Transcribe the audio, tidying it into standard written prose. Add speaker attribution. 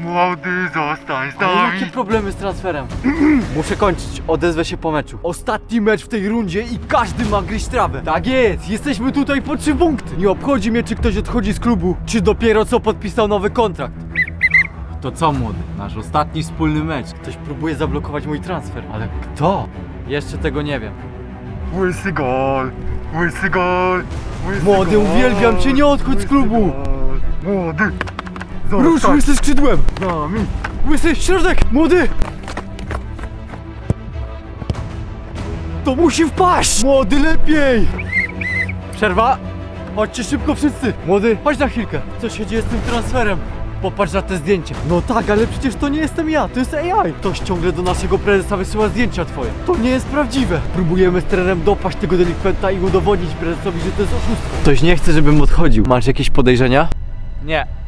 Speaker 1: Młody, zostań z
Speaker 2: Ale
Speaker 1: nami.
Speaker 2: jakie problemy z transferem? Muszę kończyć, odezwę się po meczu. Ostatni mecz w tej rundzie i każdy ma gryźć trawę. Tak jest, jesteśmy tutaj po 3 punkty. Nie obchodzi mnie, czy ktoś odchodzi z klubu, czy dopiero co podpisał nowy kontrakt. To co, młody? Nasz ostatni wspólny mecz. Ktoś próbuje zablokować mój transfer, ale kto? Jeszcze tego nie wiem.
Speaker 1: Łysy gol, łysy gol, łysy
Speaker 2: Młody,
Speaker 1: gol,
Speaker 2: uwielbiam cię, nie odchodź z
Speaker 1: łysy
Speaker 2: klubu.
Speaker 1: gol. Młody,
Speaker 2: Rusz
Speaker 1: zostań
Speaker 2: łysy skrzydłem!
Speaker 1: z nami.
Speaker 2: Łysy, środek! Młody! To musi wpaść! Młody, lepiej! Przerwa! Chodźcie szybko wszyscy! Młody, chodź na chwilkę! Co się dzieje z tym transferem? Popatrz na te zdjęcia. No tak, ale przecież to nie jestem ja, to jest AI. Ktoś ciągle do naszego prezesa wysyła zdjęcia twoje. To nie jest prawdziwe. Próbujemy z trenerem dopaść tego delikwenta i udowodnić prezesowi, że to jest oszustwo. Ktoś nie chce, żebym odchodził. Masz jakieś podejrzenia?
Speaker 3: Nie.